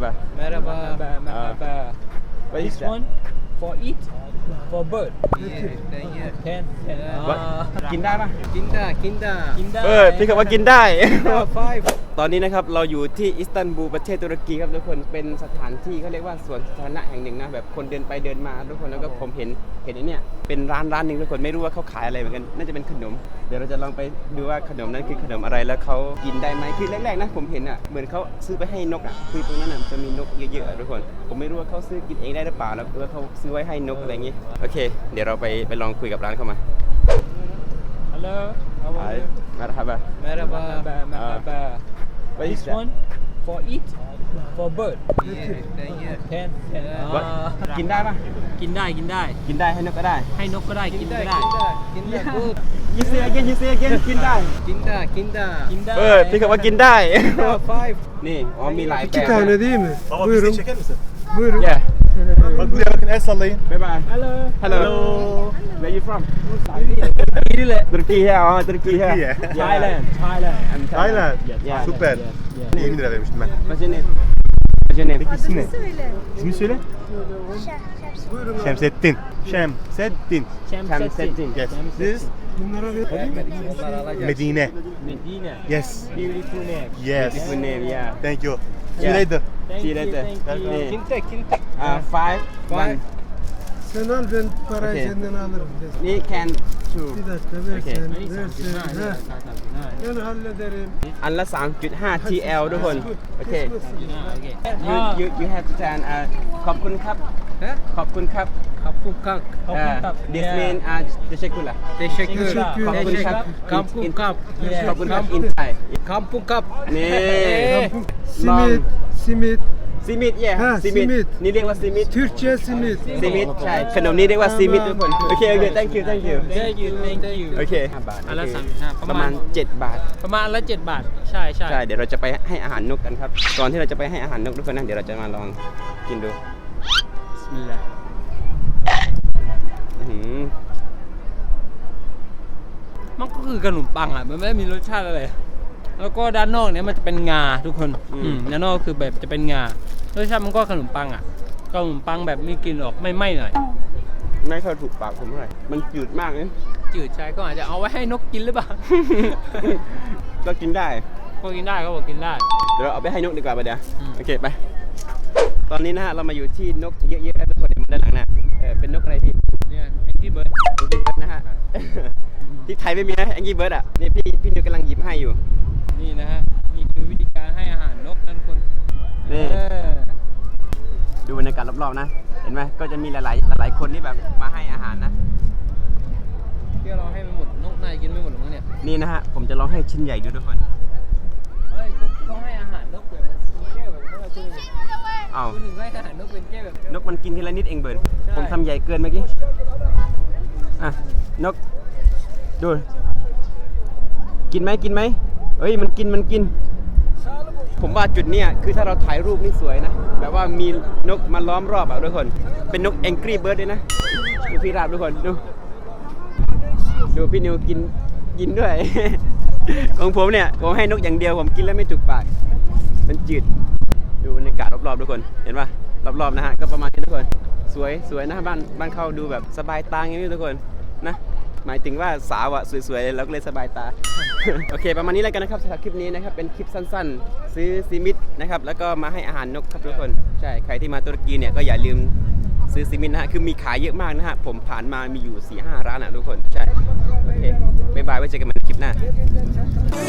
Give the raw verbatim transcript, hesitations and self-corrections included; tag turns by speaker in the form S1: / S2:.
S1: Merhaba.
S2: Merhaba. Merhaba.
S1: What is
S2: This
S1: that?
S2: one for eat for bird. Ten. Ten.
S1: กินได้ปะ
S2: กินได้กินได้กินได้
S1: เออพี่คำว่ากินได้
S2: five
S1: ตอนนี้นะครับเราอยู่ที่อิสตันบูลประเทศตุรกีครับทุกคนเป็นสถานที่เขาเรียกว่าสวนสาธารณะแห่งหนึ่งนะแบบคนเดินไปเดินมาทุกคนแล้วก็ผมเห็นเห็นไอ้เนี่ยเป็นร้านร้านหนึ่งทุกคนไม่รู้ว่าเขาขายอะไรเหมือนกันน่าจะเป็นขนมเดี๋ยวเราจะลองไปดูว่าขนมนั้นคือขนมอะไรแล้วเขากินได้ไหมคือแรกๆนะผมเห็นอ่ะเหมือนเขาซื้อไปให้นกอ่ะคือตรงนั้นอ่ะจะมีนกเยอะๆทุกคนผมไม่รู้ว่าเขาซื้อกินเองได้หรือเปล่าแล้วหรือว่าเขาซื้อไว้ให้นกอะไรอย่างงี้โอเคเดี๋ยวเราไปไปลองคุยกับร้านเขามา
S2: Hello. How are you?
S1: Merhaba.
S2: Merhaba. Merhaba.
S1: What
S2: This
S1: is that?
S2: one for eat for bird. Ten. Ten.
S1: What? กินได้ปะ
S2: กินได้กินได้
S1: กินได้ให้นกก็ได้
S2: ให้นกก็ได้กินก็ได้กินได้
S1: You say again you say again กินได้
S2: กินได้กินได้กินได้
S1: เออพี่คำว่ากินได้
S2: five
S1: นี่อ๋อมีหลายแบบ
S3: İki tane değil mi?
S4: Baba
S3: Buyurun.
S4: bizi çeker misin?
S3: Buyurun.
S1: Yeah
S4: Bak buraya bakın el sallayın.
S1: bye bye
S2: Hello
S1: Hello Where you from
S2: นี่แหละ
S1: ตุรกีใช่อ๋อตุรกีใช่
S4: Türkiye.
S2: Thailand Thailand
S1: I'm
S4: Thailand.
S1: Yeah
S4: Süper. yirmi lira vermiştim ben.
S1: What's your name What's your name
S4: Peki isim ne?
S5: Söyle.
S4: İsmini söyle.
S3: Buyurun.
S4: Şemsettin. Şemsettin.
S1: Şemsettin.
S4: Yes. This
S3: Bunlara ver.
S4: Medine.
S2: Medina
S4: Yes.
S2: beautiful name
S4: Yes.
S1: Beautiful name yeah
S4: Thank you. See you
S1: Yeah.
S4: later.
S1: See you later
S2: Thank you.
S1: นี่
S2: Kintek kintek
S1: uh, five one
S3: Sen al ben parayı
S1: Okay.
S3: senden alırım. Dedim.
S1: นี่ can two
S3: Bir dakika ver
S1: Okay.
S3: sen.
S2: อันนี้
S3: Ver
S2: สามจุด
S3: sen.
S2: ห้า
S3: Heh.
S2: สามจุดห้า
S3: Ben hallederim.
S1: อันละ สามจุดห้า ที แอล ทุกคนโอเค
S3: Kısmısın.
S2: โอเค
S1: you you you have to turn uh ขอบคุณครับ
S2: ฮะ
S1: ขอบคุณครับ
S2: ขอบคุณครับขอบคุณครับ
S1: this mean uh teşekkürler
S2: teşekkür
S3: Teşekkür.
S1: ขอบคุณครับ
S2: kampung kap
S1: ขอบคุณครับ inside
S2: kampung kap
S1: นี่
S3: Simit. Simit.
S1: ซีมิดเย่
S3: ฮะ
S1: ซีมิด
S3: simit
S1: นี่เรียกว่าซีมิด
S3: Türkçe simit.
S1: ซีมิดใช่ขนมนี้เรียกว่าซีมิดทุกคนโอเคโอเค thank you thank you
S2: thank you thank you
S1: โอเค
S2: อันละสามจุดห้า
S1: ประมาณเจ็ดบาท
S2: ประมาณอันละเจ็ดบาทใช่ใช่
S1: ใช่เดี๋ยวเราจะไปให้อาหารนกกันครับก่อนที่เราจะไปให้อาหารนกทุกคนนะเดี๋ยวเราจะมาลองกินดู
S2: บิสมิลลาห์
S1: อื้อหือ
S2: มันก็คือขนมปังอ่ะมันไม่ได้มีรสชาติอะไรแล้วก็ด้านนอกเนี่ยมันจะเป็นงาทุกคนอืมด้านนอกคือแบบจะเป็นงารสชาติมันก็ขนมปังอ่ะขนมปังแบบมีกลิ่นออกไม่ไหม้หน่อย
S1: ไม่ค่อยถูกปากผมเท่าไหร่มันจืดมากเลย
S2: จืดใช่ก็อาจจะเอาไว้ให้นกกินหรือเปล่า
S1: ก็กินได้
S2: ก็กินได้ก็บอกกินได้
S1: เดี๋ยวเราเอาไปให้นกดีกว่าไปเดี๋ยว
S2: อืม
S1: โอเคไปตอนนี้นะฮะเรามาอยู่ที่นกเยอะๆทุกคนเห็นมันด้านหลังน่ะเออเป็นนกอะไรพี่
S2: เนี่ยแองกี้เบิร์ด
S1: แองกี้เบิร์ดนะฮะ ที่ไทยไม่มีนะแองกี้เบิร์ดอ่ะนี่พี่พี่นิวกำลังหยิบให้อยู่
S2: นี่นะฮะนี่คือวิธีการให้อาหารนกนั่นคน
S1: นี่
S2: เออ
S1: ดูบรรยากาศรอบๆนะเห็นไหมก็จะมีหลายๆหลายๆคนที่แบบมาให้อาหารนะ
S2: เพื่อเราให้มันหมดนกนายกินไม่หมดหรอกมั้งเนี่ย
S1: นี่นะฮะผมจะลองให้ชิ้นใหญ่ดูทุกคน
S2: เฮ้ยเขาให้อาหารนกแบบเป็นแก้วแบบเขาคุณ
S1: อ้าว
S2: คุณถึงให้อาหารนกเป็นแก้วแบบ
S1: นกมันกินทีละนิดเองเบิร์น
S2: ใช่
S1: ผมทำใหญ่เกินเมื่อกี้อ่ะนกดูกินไหมกินไหมเอ้ยมันกินมันกิน ผมว่าจุดเนี้ยคือถ้าเราถ่ายรูปนี่สวยนะแบบว่ามีนกมาล้อมรอบอ่ะทุกคนเป็นนก Angry Bird ด้วยนะดูพี่ราบทุกคนดูดูพี่นิวกินกินด้วย ของผมเนี่ยผมให้นกอย่างเดียวผมกินแล้วไม่จุกปากมันจืดดูบรรยากาศรอบๆทุกคนเห็นป่ะรอบๆนะฮะก็ประมาณนี้ทุกคนสวยสวยนะบ้านบ้านเขาดูแบบสบายตาอย่างนี้ทุกคนนะหมายถึงว่าสาวอะสวยๆแล้วก็เลยสบายตา โอเคประมาณนี้แล้วกันนะครับสำหรับคลิปนี้นะครับเป็นคลิปสั้นๆ ซื้อซีมิดนะครับแล้วก็มาให้อาหารนกครับทุกคนใช่ใครที่มาตุรกีเนี่ยก็อย่าลืมซื้อซีมิดนะฮะคือมีขายเยอะมากนะฮะผมผ่านมามีอยู่ สี่ห้า ร้านอะทุกคนใช่โอเคบ๊ายบายไว้เจอกันใหม่ในคลิปหน้า